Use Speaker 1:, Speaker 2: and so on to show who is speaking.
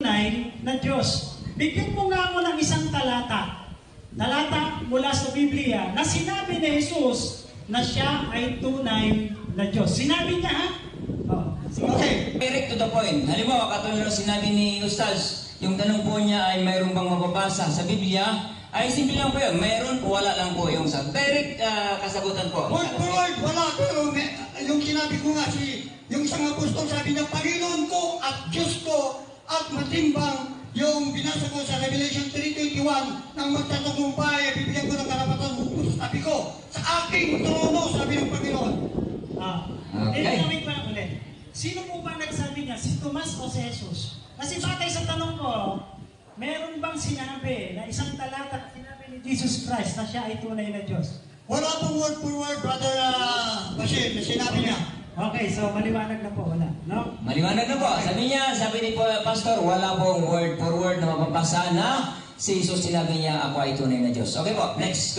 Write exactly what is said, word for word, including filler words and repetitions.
Speaker 1: tunay na Diyos. Bigyan mo nga ako ng isang talata. Talata mula sa Biblia na sinabi ni Jesus na siya ay tunay na Diyos. Sinabi niya, ha? Oh,
Speaker 2: okay, direct to the point. Halimbawa, katulad ng sinabi ni Ustaz, yung tanong po niya ay mayroon bang mababasa sa Biblia, ay simple lang po yun. Mayroon o wala lang po yung sa direct uh, kasagutan po.
Speaker 3: Word for word, wala. Pero may, yung sinabi ko nga, si, yung isang apostol sabi niya, Panginoon ko at Diyos ko at matimbang. Yung binasa ko sa Revelation three twenty-one, nang magtatagumpay, bibigyan ko ng karapatan hukus. Sabi ko, sa aking trono, sabi ng Panginoon.
Speaker 1: Ah,
Speaker 2: okay.
Speaker 1: Eh, wait pa lang ulit. Sino po ba nagsabi niya? Si Tomas o si Jesus? Kasi batay sa tanong ko, meron bang sinabi na isang talata sinabi ni Jesus Christ na siya ay tunay na Diyos?
Speaker 3: Wala pong word for word, Brother uh, Bashir, na sinabi niya.
Speaker 1: Okay, so maliwanag na po, wala, no?
Speaker 2: Maliwanag na po. Sabi niya, sabi ni Pastor, wala pong word for word na mapapasa na si Jesus sinabi niya, ako ay tunay na Diyos. Okay po, next.